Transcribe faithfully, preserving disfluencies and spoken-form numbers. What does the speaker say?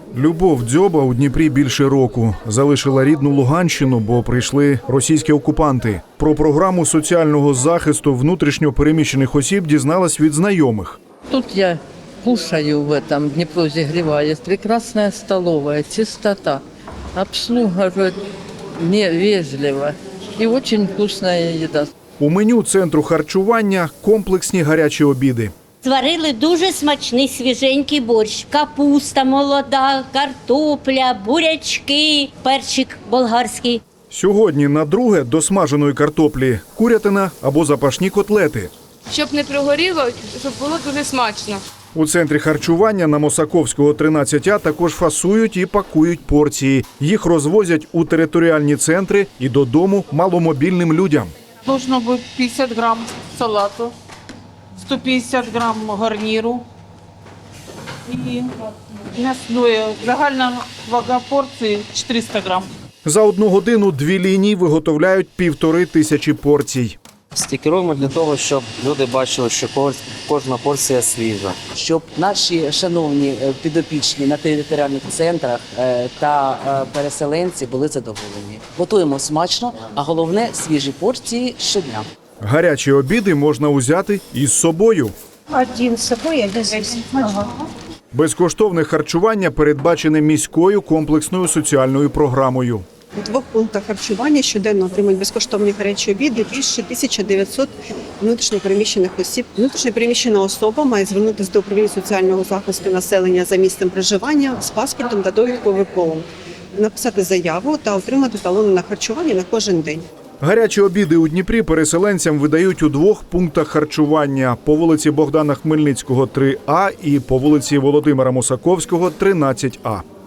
Любов Дзьоба у Дніпрі більше року. Залишила рідну Луганщину, бо прийшли російські окупанти. Про програму соціального захисту внутрішньо переміщених осіб дізналась від знайомих. Тут я кушаю в этом, Днепро зігріває. Прекрасная столовая, чистота, обслуга невежлива и очень вкусная еда. У меню центру харчування комплексні гарячі обіди. Зварили дуже смачний свіженький борщ. Капуста молода, картопля, бурячки, перчик болгарський. Сьогодні на друге до смаженої картоплі курятина або запашні котлети. Щоб не пригоріло, щоб було дуже смачно. У центрі харчування на Мосаковського, тринадцять А також фасують і пакують порції. Їх розвозять у територіальні центри і додому маломобільним людям. Должно бути п'ятдесят грам салату, сто п'ятдесят грам гарніру і м'ясної. Загальна вага порції чотириста грам. За одну годину дві лінії виготовляють півтори тисячі порцій. Стікеруємо для того, щоб люди бачили, що кожна порція свіжа. Щоб наші шановні підопічні на територіальних центрах та переселенці були задоволені. Готуємо смачно, а головне – свіжі порції щодня. Гарячі обіди можна узяти із собою. Один з собою, один з ага. Безкоштовне харчування передбачене міською комплексною соціальною програмою. У двох пунктах харчування щоденно отримують безкоштовні гарячі обіди більше тисяча дев'ятсот внутрішньопереміщених осіб. Внутрішньопереміщена особа має звернутися до управління соціального захисту населення за місцем проживання з паспортом та довідкою ВПО, написати заяву та отримати талони на харчування на кожен день. Гарячі обіди у Дніпрі переселенцям видають у двох пунктах харчування – по вулиці Богдана Хмельницького, три А і по вулиці Володимира Мосаковського, тринадцять А.